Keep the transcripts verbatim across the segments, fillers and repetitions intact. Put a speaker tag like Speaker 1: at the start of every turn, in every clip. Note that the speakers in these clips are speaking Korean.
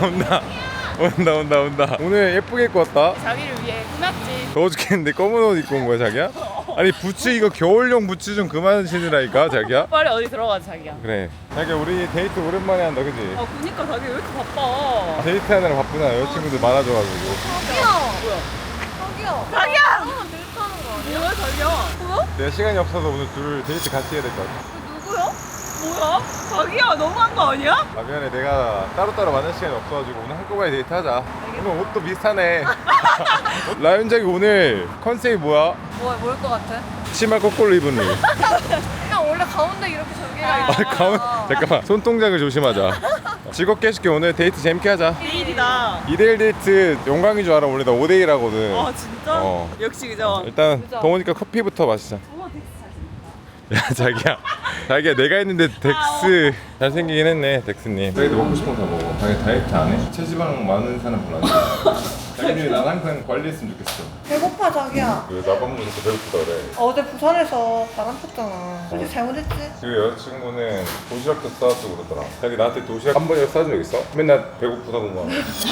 Speaker 1: 온다 온다 온다 온다. 오늘 예쁘게 입고 왔다.
Speaker 2: 자기를 위해 꾸몄지.
Speaker 1: 더워 죽겠는데 검은 옷 입고 온 거야 자기야? 아니 부츠 이거 겨울용 부츠 좀 그만 신으라니까 자기야.
Speaker 2: 빨리 어디 들어가 자기야.
Speaker 1: 그래 자기야 우리 데이트 오랜만에 한다 그지?
Speaker 2: 아 그니까 자기 왜 이렇게 바빠?
Speaker 1: 데이트 하느라 바쁘나 여자친구들 많아져가지고.
Speaker 3: 자기야.
Speaker 2: 뭐야?
Speaker 3: 자기야.
Speaker 2: 자기야!
Speaker 3: 너랑 데이트하는 거 아니야?
Speaker 2: 뭐야 자기야? 뭐야?
Speaker 1: 내가 시간이 없어서 오늘 둘 데이트 같이 해야 될 것 같아.
Speaker 2: 누구야? 뭐야? 자기야 너무한 거 아니야?
Speaker 1: 아 미안해 내가 따로따로 만날 시간이 없어가지고 오늘 한꺼번에 데이트하자. 오늘 옷도 비슷하네. 라윤 자기 오늘 컨셉이 뭐야?
Speaker 3: 뭐, 뭘것 같아?
Speaker 1: 치마 거꾸로 입은 룩.
Speaker 3: 그냥 원래 가운데 이렇게 저기가
Speaker 1: 아 가운 잠깐만 손동작을 조심하자. 즐겁게 해줄게. 오늘 데이트 재밌게 하자.
Speaker 2: 내일이다.
Speaker 1: 이 대 일 데이트 영광인 줄 알아. 원래 나 오 대 일 하거든.
Speaker 2: 아 진짜?
Speaker 1: 어.
Speaker 2: 역시 그죠?
Speaker 1: 일단
Speaker 3: 그죠?
Speaker 1: 더우니까 커피부터 마시자. 야 자기야 자기야 내가 했는데 덱스 잘생기긴 했네 덱스님. 자기도 먹고 싶은 거 다 먹어. 자기 다이어트 안 해? 체지방 많은 사람 별로 안 좋아. 자기는 난 항상 관리했으면 좋겠어.
Speaker 3: 배고파 자기야.
Speaker 1: 왜 나밥 먹으니까 배고프다 그래.
Speaker 3: 어제 부산에서 바람 폈잖아. 솔직히 잘못했지?
Speaker 1: 그 여자친구는 도시락도 싸왔고 그러더라. 자기 나한테 도시락 한 번이라도 싸준 적 있어? 맨날 배고프다고만.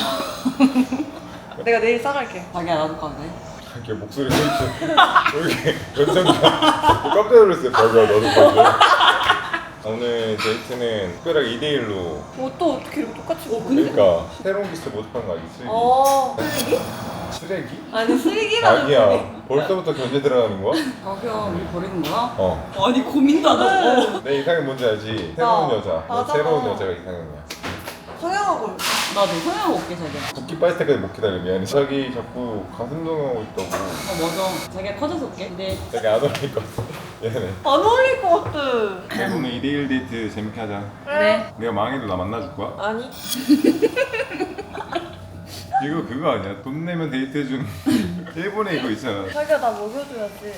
Speaker 3: 내가 내일 싸갈게.
Speaker 2: 자기야 나도 가네.
Speaker 1: 자기 목소리 이렇게 연장자 깜짝 놀랐어요. 자기야 나도 가지. 오늘 데이트는 특별하게 이 대 일로.
Speaker 3: 옷도 어떻게 이렇게 똑같이 입고.
Speaker 1: 그러니까 새로운 기술 모집한 거 알지? 쓰레기.
Speaker 3: 어. 쓰레기?
Speaker 1: 쓰레기?
Speaker 3: 아니 쓰레기라는
Speaker 1: 자기야 벌써부터 견제 들어가는 거야?
Speaker 2: 자기야 우리 버리는 거야?
Speaker 1: 어.
Speaker 2: 아니 고민도 안 하고.
Speaker 1: 내 이상형 뭔지 알지? 새로운
Speaker 3: 어,
Speaker 1: 여자. 너
Speaker 3: 맞아.
Speaker 1: 새로운 여자가 이상형이야.
Speaker 3: 성형하고.
Speaker 2: 나도 소영 올게 자기야.
Speaker 1: 붓기 빠질 때까지 못 기다려. 미안해. 자기 자꾸 가슴 동영하고 있다고.
Speaker 2: 어 맞아. 자기야 커져서 올게. 근데
Speaker 1: 자기 안 어울릴 것 같아. 미안해.
Speaker 3: 안 어울릴 것 같아.
Speaker 1: 오늘 이 대 일 데이트 재밌게 하자.
Speaker 2: 그래.
Speaker 1: 내가 망해도 나 만나줄 거야?
Speaker 3: 아니.
Speaker 1: 이거 그거 아니야? 돈 내면 데이트 해주는 일본에 이거 있잖아.
Speaker 3: 자기야 나 먹여줘야지.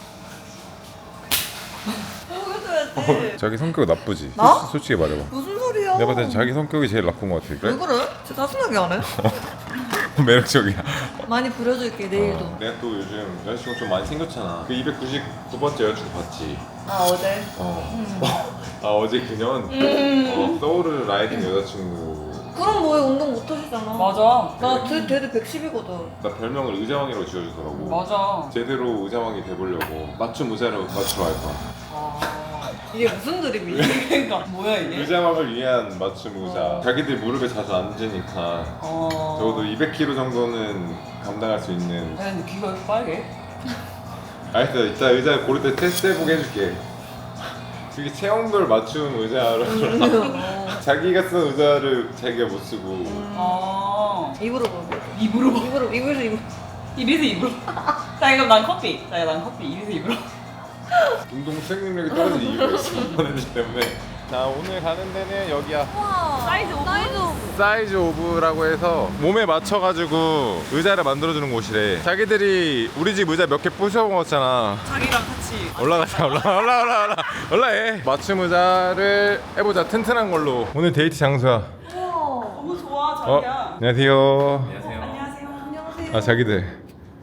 Speaker 3: 먹여줘야지.
Speaker 1: 자기 성격 나쁘지?
Speaker 3: 나?
Speaker 1: 솔- 솔직히 말해봐.
Speaker 3: 무슨 소리야?
Speaker 1: 내가 봤을 때 자기 성격이 제일 나쁜 것 같아.
Speaker 3: 왜
Speaker 1: 그래?
Speaker 3: 그래? 진짜 짜증나게 안 해?
Speaker 1: 매력적이야.
Speaker 3: 많이 부려줄게 내일도.
Speaker 1: 어, 내가 또 요즘 여자친구 좀 많이 생겼잖아. 그 이백구십구 번째 여자친구 봤지?
Speaker 3: 아 어제?
Speaker 1: 어. 아 어제 그년
Speaker 3: 음.
Speaker 1: 어, 서울을 라이딩 여자친구.
Speaker 3: 그럼 뭐해 운동 못 하시잖아.
Speaker 2: 맞아.
Speaker 3: 나 대, 대대 백십이거든.
Speaker 1: 나 별명을 의자왕이라고 지어주더라고.
Speaker 2: 맞아.
Speaker 1: 제대로 의자왕이 돼보려고 맞춤 의자로 맞추러 갈 거야.
Speaker 2: 아.
Speaker 3: 이게 무슨 드립이야?
Speaker 2: 그러니까 뭐야 이게?
Speaker 1: 의자왕을 위한 맞춤 의자.
Speaker 3: 어.
Speaker 1: 자기들 무릎에 자주 앉으니까
Speaker 2: 어.
Speaker 1: 적어도 이백 킬로그램 정도는 감당할 수 있는.
Speaker 2: 아니 근데 귀가 왜 빨개?
Speaker 1: 알겠어. 이따 의자 고를 때 테스트 해보게 해줄게. 그게 체형별 맞춤 의자로 자기가 쓴 의자를 자기가 못 쓰고.
Speaker 2: 아.
Speaker 3: 입으로 먹어.
Speaker 2: 입으로 먹.
Speaker 3: 입으로 입에서 입으로.
Speaker 2: 입에서 입으로. 자 그럼 난 커피. 자기야 난 커피. 입에서 입으로.
Speaker 1: 운동 수행 능력이 떨어진 이유가 있어. 보내주기 때문에. 자 오늘 가는 데는 여기야.
Speaker 3: 와.
Speaker 2: 사이즈 오브?
Speaker 3: 사이즈 오브.
Speaker 1: 사이즈 오브라고 해서 몸에 맞춰가지고 의자를 만들어주는 곳이래. 자기들이 우리 집 의자 몇 개 부셔 먹었잖아.
Speaker 2: 자기랑 같이.
Speaker 1: 올라가자 올라가 올라 올라 올라 올라해. 맞춤 의자를 해보자. 튼튼한 걸로. 오늘 데이트 장소야.
Speaker 3: 우와.
Speaker 2: 너무 좋아
Speaker 1: 어
Speaker 2: 자기야.
Speaker 1: 안녕하세요.
Speaker 2: 안녕하세요.
Speaker 3: 안녕하세요.
Speaker 1: 아 자기들.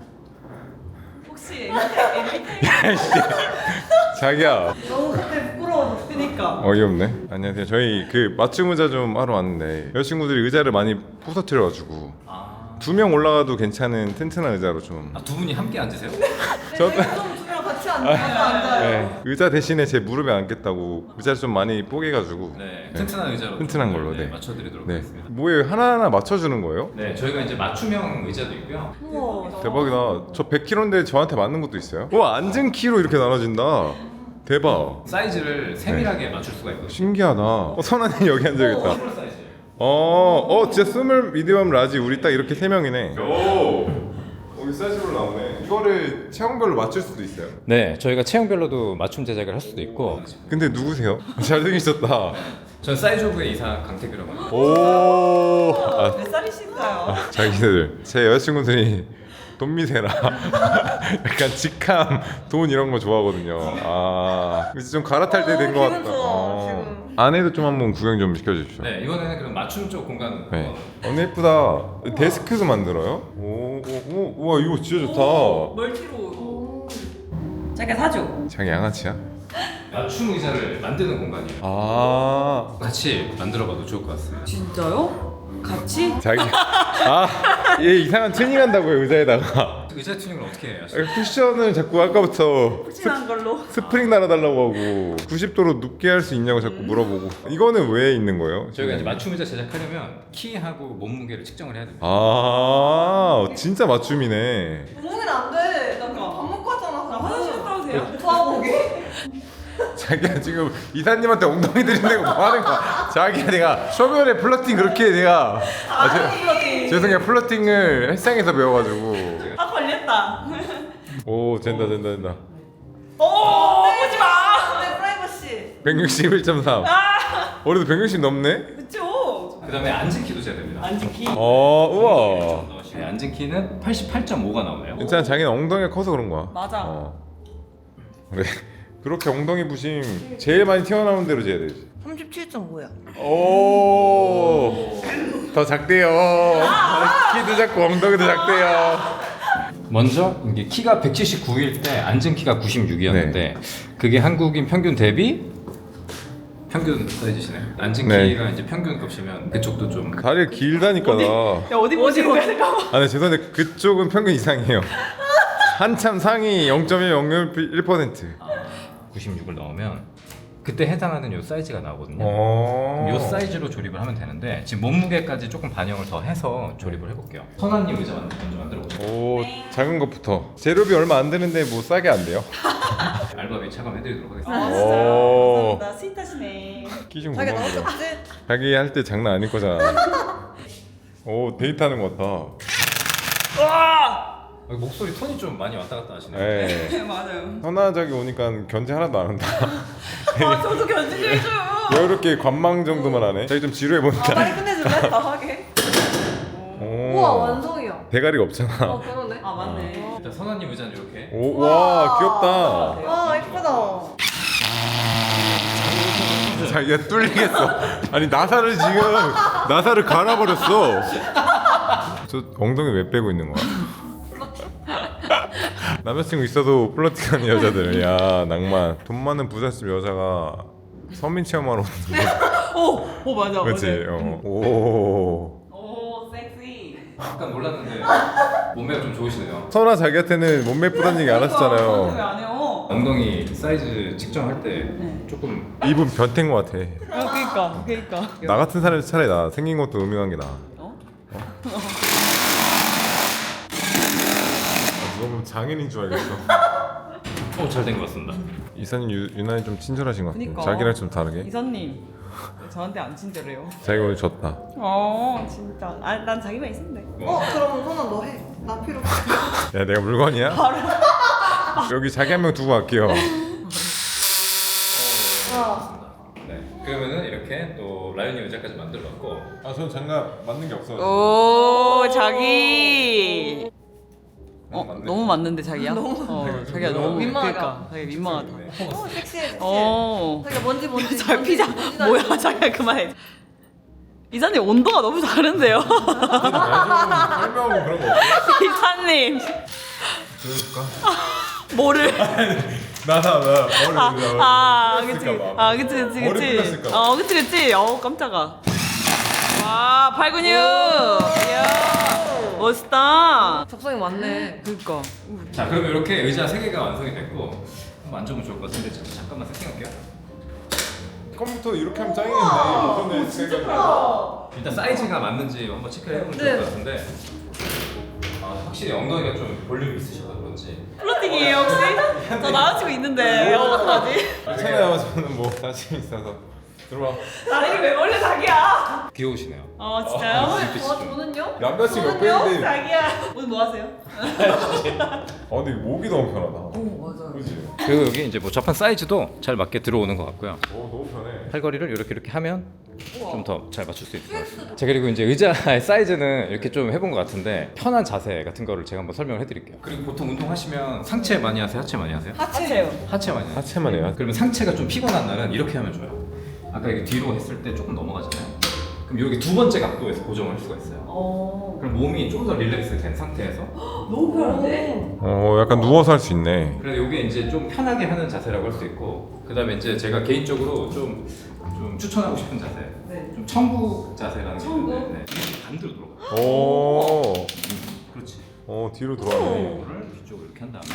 Speaker 2: 혹시 엠비티아이?
Speaker 1: 자기야.
Speaker 3: 너무 그때 부끄러워졌어.
Speaker 2: 그니까.
Speaker 1: 어이없네. 안녕하세요. 저희 그 맞춤 의자 좀 하러 왔는데 여자친구들이 의자를 많이 부서뜨려가지고
Speaker 4: 아,
Speaker 1: 두 명 올라가도 괜찮은 튼튼한 의자로 좀.
Speaker 4: 아, 두 분이 함께 앉으세요?
Speaker 1: 저
Speaker 3: 두명 같이 앉아. 앉아요.
Speaker 1: 네, 의자 대신에 제 무릎에 앉겠다고 의자를 좀 많이 뽀개가지고.
Speaker 4: 네, 튼튼한 의자로
Speaker 1: 튼튼한 걸로,
Speaker 4: 네,
Speaker 1: 네.
Speaker 4: 맞춰드리도록
Speaker 1: 네.
Speaker 4: 하겠습니다.
Speaker 1: 뭐예요? 하나하나 맞춰주는 거예요?
Speaker 4: 네, 저희가 이제 맞춤형 의자도 있고요.
Speaker 3: 우와.
Speaker 1: 대박이다. 저 백 킬로그램인데 저한테 맞는 것도 있어요? 와 앉은 키로 이렇게 나눠진다. 대박.
Speaker 4: 사이즈를 세밀하게 맞출 수가 있거든요.
Speaker 1: 신기하다. 어, 선아님 여기 앉아야겠다.
Speaker 4: 스몰 사이즈.
Speaker 1: 어, 어 진짜 스몰, 미디엄, 라지 우리 딱 이렇게 세 명이네. 오, 여기 사이즈로 나오네. 이거를 체형별로 맞출 수도 있어요?
Speaker 4: 네, 저희가 체형별로도 맞춤 제작을 할 수도 있고.
Speaker 1: 근데 누구세요? 잘생기셨다.
Speaker 4: 전 사이즈 오브의 이사 강태규라고 합니다.
Speaker 1: 오, 아,
Speaker 2: 몇 살이신가요?
Speaker 1: 자기들 제 여자친구들이 돈 미세라. 약간 직함, 돈 이런 거 좋아하거든요. 아, 이제 좀 갈아탈 때 된 것
Speaker 3: 어,
Speaker 1: 같다.
Speaker 3: 기분 좋아,
Speaker 1: 어.
Speaker 3: 지금.
Speaker 1: 안에도 좀 한번 구경 좀 시켜주십시오.
Speaker 4: 네, 이번에는 그럼 맞춤 쪽 공간.
Speaker 1: 네.
Speaker 4: 어,
Speaker 1: 너무 예쁘다. 데스크도 만들어요? 오, 오, 오, 우와 이거 진짜 좋다.
Speaker 2: 멀티로. 자기가 사줘.
Speaker 1: 자기 양아치야?
Speaker 4: 맞춤 의자를 만드는 공간이에요.
Speaker 1: 아,
Speaker 4: 같이 만들어봐도 좋을 것 같습니다.
Speaker 2: 진짜요? 같이?
Speaker 1: 자기 아얘 이상한 튜닝 한다고요 의자에다가.
Speaker 4: 의자 튜닝을 어떻게 해요?
Speaker 1: 쿠션을 자꾸 아까부터
Speaker 2: 푹신한 걸로.
Speaker 1: 스프링 달아달라고 하고 구십 도로 눕게 할 수 있냐고 자꾸 물어보고. 이거는 왜 있는 거예요?
Speaker 4: 저희가 이제 맞춤 의자 제작하려면 키하고 몸무게를 측정을 해야 됩니다.
Speaker 1: 아 진짜 맞춤이네.
Speaker 3: 몸무게는 안 돼. 나 그거 밥 먹고 왔잖아.
Speaker 2: 나 화장실 갔다 오세요.
Speaker 3: 부하고기.
Speaker 1: 자기가 지금 이사님한테 엉덩이 들이대고 뭐 하는 거야? 자기가 내가 쇼면에 플러팅 그렇게 내가 아, 제, 죄송해요 플러팅을 헬스장에서 배워가지고.
Speaker 2: 아 걸렸다.
Speaker 1: 오 된다 된다 된다.
Speaker 2: 오 오지 마.
Speaker 3: 내 프라이버시.
Speaker 1: 백육십일 점 삼.
Speaker 2: 아
Speaker 1: 우리도 백육십 넘네?
Speaker 2: 그쵸.
Speaker 4: 그다음에 앉은 키도 재야 됩니다.
Speaker 2: 앉은 키.
Speaker 1: 어 우와.
Speaker 4: 네, 앉은 키는 팔십팔 점 오가 나오네요.
Speaker 1: 괜찮아 자기는 엉덩이가 커서 그런 거야.
Speaker 2: 맞아.
Speaker 1: 어. 그래. 그렇게 엉덩이 부심 제일 많이 튀어나오는 대로 재야 되지.
Speaker 3: 삼십칠 점 오야.
Speaker 1: 오. 더 작대요. 키도 작고 엉덩이도 작대요.
Speaker 4: 먼저 이게 키가 백칠십구일 때 앉은 키가 구십육이었는데
Speaker 1: 네.
Speaker 4: 그게 한국인 평균 대비 평균 사이즈시네요. 앉은
Speaker 1: 네.
Speaker 4: 키가 이제 평균 값이면 그쪽도 좀
Speaker 1: 다리가 길다니까 나.
Speaker 2: 야 어디 보시는 거야 잠깐만.
Speaker 1: 아, 네, 죄송한데 그쪽은 평균 이상이에요. 한참 상위 영 점 일, 영 점 일 퍼센트.
Speaker 4: 구십육을 넣으면 그때 해당하는 요 사이즈가 나오거든요.
Speaker 1: 어.
Speaker 4: 요 사이즈로 조립을 하면 되는데 지금 몸무게까지 조금 반영을 더 해서 조립을 해볼게요. 선아님 의자 먼저 만들어 보세요.
Speaker 1: 오, 작은 것부터. 재료비 얼마 안 드는데 뭐 싸게 안 돼요?
Speaker 4: 알바비 차감해드리도록
Speaker 2: 아
Speaker 4: 하겠습니다.
Speaker 2: 진짜요?
Speaker 1: 오.
Speaker 2: 감사합니다. 스윗하시네.
Speaker 1: 끼좀
Speaker 3: 자기
Speaker 1: 고마워.
Speaker 3: 나왔었지?
Speaker 1: 자기 할 때 장난 아닐 거잖아. 오, 데이트하는 것 같아.
Speaker 2: 와.
Speaker 4: 아, 목소리 톤이 좀 많이 왔다 갔다 하시네요.
Speaker 1: 네.
Speaker 2: 네 맞아요.
Speaker 1: 선아 자기 오니까 견제 하나도 안 한다.
Speaker 2: 아 저도 견제 좀 해줘요.
Speaker 1: 이렇게 관망 정도만 하네. 자기 좀 지루해
Speaker 3: 아
Speaker 1: 보니까.
Speaker 3: 빨리 끝내줄래? 다 하게.
Speaker 1: 오.
Speaker 3: 우와 완성이야.
Speaker 1: 대가리가 없잖아.
Speaker 3: 어 그러네.
Speaker 2: 아 맞네.
Speaker 4: 일단 선아님 의자는 이렇게
Speaker 1: 오, 와, 귀엽다.
Speaker 3: 와 이쁘다.
Speaker 1: 자기가 뚫리겠어. 아니 나사를 지금 나사를 갈아버렸어. 저 엉덩이 왜 빼고 있는 거야? 남자친구 있어도 플러팅하는 여자들. 야 낭만. 돈 많은 부잣집 여자가 서민 체험하러 오는 거.
Speaker 2: 오, 오 맞아.
Speaker 1: 그렇지.
Speaker 2: 맞아.
Speaker 1: 어. 오.
Speaker 2: 오 섹시.
Speaker 4: 약간 몰랐는데 몸매가 좀 좋으시네요.
Speaker 1: 선아 자기한테는 몸매 예쁘다는 얘기 안
Speaker 2: 왜
Speaker 1: 하셨잖아요.
Speaker 2: 안 해요?
Speaker 4: 엉덩이 사이즈 측정할 때
Speaker 2: 네.
Speaker 4: 조금
Speaker 1: 입은 변태인 것 같아.
Speaker 2: 아 그니까 그니까.
Speaker 1: 나 같은 사람이 차라리 나. 생긴 것도 음흉한 게 나아.
Speaker 2: 어?
Speaker 1: 아, 누가 보면 장인인 줄 알겠어.
Speaker 4: 어, 잘 된 것 같습니다.
Speaker 1: 이사님 유, 유난히 좀 친절하신 것 같아요.
Speaker 2: 그니까.
Speaker 1: 자기랑 좀 다르게.
Speaker 2: 이사님 왜 저한테 안 친절해요.
Speaker 1: 자기가 오늘 졌다.
Speaker 2: 어 진짜. 아난 자기만 있으면 돼.
Speaker 3: 어 그럼 선아 너 해. 나 필요 없어.
Speaker 1: 야 내가 물건이야? 여기 자기 한 명 두고 갈게요.
Speaker 3: 아.
Speaker 4: 네. 그러면은 이렇게 또 라이언이 의자까지 만들어놨고
Speaker 1: 아 저는 장갑 맞는 게 없어.
Speaker 2: 오 자기. 어
Speaker 1: 맞네.
Speaker 2: 너무 맞는데 자기야? 어 자기야 너무
Speaker 3: 민망하다.
Speaker 2: 그러니까 자기 민망하다.
Speaker 3: 어 섹시해 섹시해.
Speaker 2: 어.
Speaker 3: 자기가 뭔지 뭔지.
Speaker 2: 잘 피자. 뭐야 자기야 그만해. 이사님 온도가 너무 다른데요.
Speaker 1: 설명하고 그런 거 없어?
Speaker 2: 이사님
Speaker 1: 들어줄까?
Speaker 2: 뭐를?
Speaker 1: 나나 나 머리
Speaker 2: 아,
Speaker 1: 올려.
Speaker 2: 아, 그치.
Speaker 1: 풀렸을까 봐.
Speaker 2: 아, 그치, 그치,
Speaker 1: 머리
Speaker 2: 그치.
Speaker 1: 풀렸을까 봐.
Speaker 2: 어, 그치, 그치. 어, 깜짝아. 와, 팔근육. 이야, 멋있다.
Speaker 3: 적성이 많네.
Speaker 2: 그니까.
Speaker 4: 자 그러면 이렇게 의자 세 개가 완성이 됐고 한번 앉으면 좋을 것 같은데 잠- 잠깐만 세팅할게요.
Speaker 1: 컴퓨터 이렇게 하면 짱이겠네. 진짜 크다.
Speaker 4: 일단 사이즈가 맞는지 한번 체크를 해보면
Speaker 3: 네.
Speaker 4: 좋을 것 같은데 아, 확실히 엉덩이가 좀 볼륨이 있으셔서 그런지
Speaker 2: 플러팅이에요, 혹시? 저 남자친구 있는데, 어, 어떡하지?
Speaker 1: 괜찮아요. 저는 뭐 자신 있어서 들어와.
Speaker 2: 나를 왜 몰래 자기야?
Speaker 4: 귀여우시네요.
Speaker 2: 어, 진짜요?
Speaker 3: 어 저는요?
Speaker 1: 남자친구 옆에 있는데.
Speaker 2: 자기야. 오늘 뭐 하세요?
Speaker 1: 아 근데 목이 너무 편하다.
Speaker 3: 오 맞아.
Speaker 1: 그렇지.
Speaker 4: 그리고 여기 이제 뭐 접한 사이즈도 잘 맞게 들어오는 것 같고요.
Speaker 1: 오 너무 편해.
Speaker 4: 팔걸이를 이렇게 이렇게 하면 좀 더 잘 맞출 수 있어요. 자 그리고 이제 의자의 사이즈는 이렇게 좀 해본 것 같은데 편한 자세 같은 거를 제가 한번 설명을 해드릴게요. 그리고 보통 운동하시면 상체 많이 하세요? 하체 많이 하세요?
Speaker 2: 하체요.
Speaker 4: 하체 많이 하세요.
Speaker 1: 하체만 해요.
Speaker 4: 그러면 상체가 좀 피곤한 날은 이렇게 하면 좋아요. 아까 이게 뒤로 했을 때 조금 넘어가잖아요. 그럼 여기 두 번째 각도에서 고정을 할 수가 있어요.
Speaker 2: 어.
Speaker 4: 그럼 몸이 좀 더 릴렉스 된 상태에서
Speaker 2: 너무 편한데?
Speaker 1: 어 약간 누워서 할 수 있네.
Speaker 4: 그래서 이게 이제 좀 편하게 하는 자세라고 할 수 있고 그 다음에 이제 제가 개인적으로 좀, 좀 추천하고 싶은 자세
Speaker 2: 네.
Speaker 4: 좀 청구 자세라는 게
Speaker 2: 청구?
Speaker 4: 있는데 네.
Speaker 1: 오.
Speaker 4: 그렇지.
Speaker 1: 어 뒤로 돌아가네.
Speaker 4: 이거를 뒤쪽으로 이렇게 한 다음에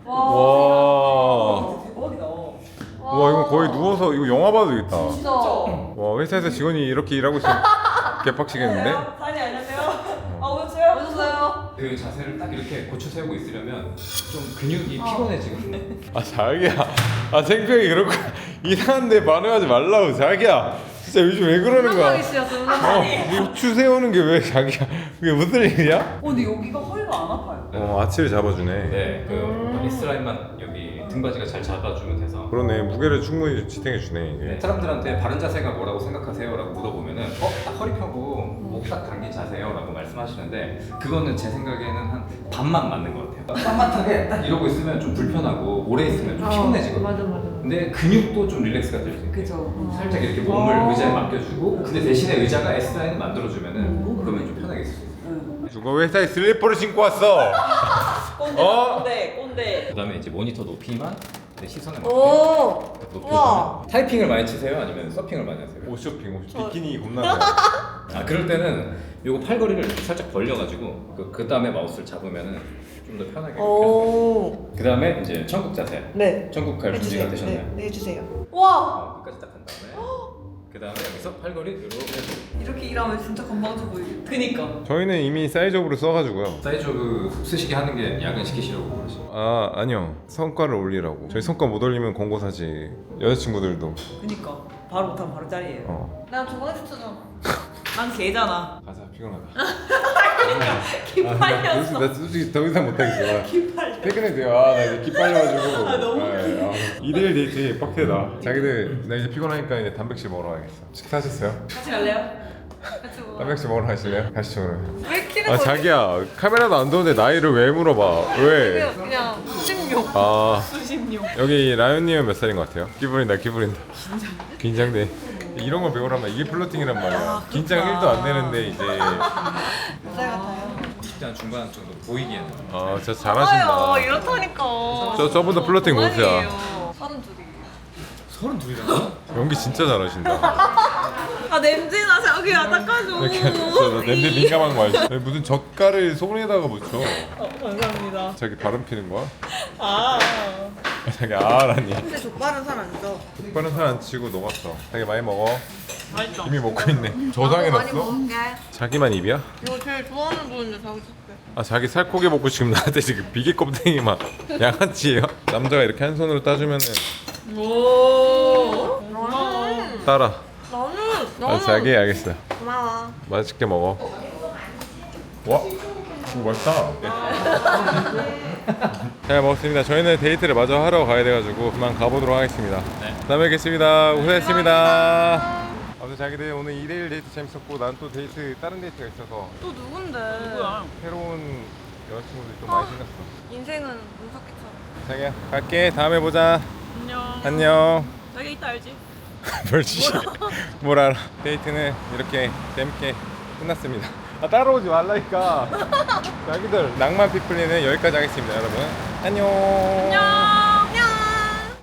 Speaker 1: 와.
Speaker 2: 대박이다.
Speaker 1: 와 이거 거의 누워서 이거 영화 봐도 되겠다.
Speaker 3: 진짜.
Speaker 1: 와 회사에서 직원이 이렇게 일하고 있으면 개빡치겠는데?
Speaker 2: 사장님 안녕하세요. 아 오셨어요?
Speaker 3: 오셨어요?
Speaker 4: 그 자세를 딱 이렇게 고추 세우고 있으려면 좀 근육이 피곤해지거든.
Speaker 1: 아 자기야. 아 생평이 그렇고 이상한데 반응하지 말라고 자기야. 진짜 요즘 왜 그러는 거야?
Speaker 3: 운동하기 씨였어.
Speaker 1: 어,
Speaker 3: 운동하기.
Speaker 1: 고추 세우는 게 왜 자기야? 그게 무슨 일이야?
Speaker 2: 어 근데 여기가 허리가 안 아파요.
Speaker 1: 어 아치를 잡아주네.
Speaker 4: 네, 그 S 라인만 여기 등받이가 잘 잡아주면 돼서.
Speaker 1: 그러네 무게를 충분히 지탱해 주네 이게.
Speaker 4: 네, 사람들한테 바른 자세가 뭐라고 생각하세요? 라고 물어보면은 어? 딱 허리 펴고 목 딱 당긴 자세요 라고 말씀하시는데 그거는 제 생각에는 한 반만 맞는 것 같아요. 빳빳하게 딱 이러고 있으면 좀 불편하고 오래 있으면 좀 피곤해지거든요.
Speaker 3: 맞아 맞아.
Speaker 4: 근데 근육도 좀 릴렉스가 될 수 있고
Speaker 2: 그죠.
Speaker 4: 살짝 이렇게 몸을 의자에 맡겨주고 근데 대신에 의자가 S 라인을 만들어주면은 그러면 좀 편하게 있을 수 있어요.
Speaker 1: 누가 회사에 슬리퍼를 신고 왔어?
Speaker 2: 꼰대
Speaker 1: 어?
Speaker 2: 꼰대 꼰대.
Speaker 4: 그 다음에 이제 모니터 높이만 내 시선에 맞게
Speaker 3: 오.
Speaker 4: 높여주면
Speaker 3: 우와.
Speaker 4: 타이핑을 많이 치세요? 아니면 서핑을 많이 하세요?
Speaker 1: 옷쇼핑 옷 비키니 겁나 잘.
Speaker 4: 아 그럴 때는 요거 팔걸이를 살짝 벌려가지고 그, 그 다음에 마우스를 잡으면은 좀 더 편하게 이렇게
Speaker 3: 오.
Speaker 4: 그 다음에 이제 천국 자세
Speaker 3: 네.
Speaker 4: 천국 갈 준비가 되셨나요?
Speaker 3: 네, 네, 해주세요. 와.
Speaker 4: 어, 끝까지 딱 한 다음에 그 다음에 여기서 팔걸이 이렇게
Speaker 2: 이렇게 일하면 진짜 건방져 보이고. 그니까.
Speaker 1: 저희는 이미 사이즈업으로 써가지고요.
Speaker 4: 사이즈오브 쓰시게 하는 게 야근시키시려고 그러시죠.
Speaker 1: 아 아니요 성과를 올리라고. 저희 성과 못 올리면 권고 사지. 여자친구들도.
Speaker 2: 그니까. 바로 못하면 바로 짜리예요.
Speaker 1: 어.
Speaker 3: 나 저번에 했었잖아.
Speaker 2: 난 개잖아.
Speaker 1: 가자 피곤하다.
Speaker 2: 기빨렸어.
Speaker 1: 나 솔직히 더 이상 못하겠어.
Speaker 2: 기빨려.
Speaker 1: 퇴근해도 돼요. 아, 나 이제 기빨려가지고.
Speaker 2: 아, 너무
Speaker 1: 일일 데이트 빡세다. 자기들 나 이제 피곤하니까 이제 단백질 먹으러 가야겠어. 식사하셨어요?
Speaker 2: 같이 갈래요?
Speaker 3: 같이 먹어.
Speaker 1: 단백질 먹으러 가실래요? 가시죠 그러면.
Speaker 3: 왜 키는
Speaker 1: 아
Speaker 3: 거지?
Speaker 1: 자기야 카메라도 안 도는데 나이를 왜 물어봐? 왜?
Speaker 3: 그냥 그냥 십육.
Speaker 1: 아
Speaker 2: 수십육.
Speaker 1: 여기 라연님은 몇 살인 것 같아요? 기분이다 기분이다. 긴장돼. 이런 거 배우라면 이게 플러팅이란 말이야. 긴장 일도 안 되는데 이제
Speaker 3: 살 같아요.
Speaker 4: 이십 대 중반 정도 보이기에는
Speaker 1: 아 진짜 잘하신다.
Speaker 3: 아유, 이렇다니까.
Speaker 1: 저 저보다 플러팅 못해요.
Speaker 3: 서른 둘이.
Speaker 4: 서른 둘이나?
Speaker 1: 연기 진짜 잘하신다.
Speaker 2: 아 냄새나 자기야 닦아줘.
Speaker 1: 이렇게 저 냄새 민감한 거 알지? 아니, 무슨 젓갈을 손에다가 묻혀.
Speaker 2: 어, 감사합니다.
Speaker 1: 자기 바람 피는 거야?
Speaker 2: 아.
Speaker 1: 자기 아라니.
Speaker 3: 근데 족발은 살 안 쪄.
Speaker 1: 오빠는 살 안 치고 녹았어. 자기 많이 먹어.
Speaker 2: 맛있다.
Speaker 1: 이미 먹고 있네. 저장해
Speaker 3: 많이
Speaker 1: 놨어?
Speaker 3: 먹을게.
Speaker 1: 자기만 입이야?
Speaker 3: 이거 제일 좋아하는 부분인데 자기 줄게.
Speaker 1: 아 자기 살코기 먹고 지금 나한테 지금 비계 껍데기만 양아치예요? 남자가 이렇게 한 손으로 따주면은
Speaker 2: 오.
Speaker 3: 나는
Speaker 1: 따라.
Speaker 3: 나는
Speaker 1: 아
Speaker 3: 나는
Speaker 1: 자기 알겠어.
Speaker 3: 고마워.
Speaker 1: 맛있게 먹어. 와, 이거 맛있다. 잘 먹었습니다. 저희는 데이트를 마저 하러 가야 돼가지고 그만 가보도록 하겠습니다.
Speaker 4: 네.
Speaker 1: 다음에 뵙겠습니다. 고생했습니다. 아무튼 자기들 오늘 이 대일 데이트 재밌었고 난 또 데이트 다른 데이트가 있어서
Speaker 3: 또 누군데?
Speaker 2: 누구야?
Speaker 1: 새로운 여자친구들이 좀 많이 생겼어.
Speaker 3: 인생은 문석기처럼.
Speaker 1: 자기야 갈게. 다음에 보자.
Speaker 2: 안녕.
Speaker 1: 안녕.
Speaker 2: 자기 이따 알지?
Speaker 1: 멸치. 뭘 알아. 데이트는 이렇게 재밌게 끝났습니다. 아 따라오지 말라니까. 자기들 낭만 피플리는 여기까지 하겠습니다 여러분. 안녕.
Speaker 2: 안녕.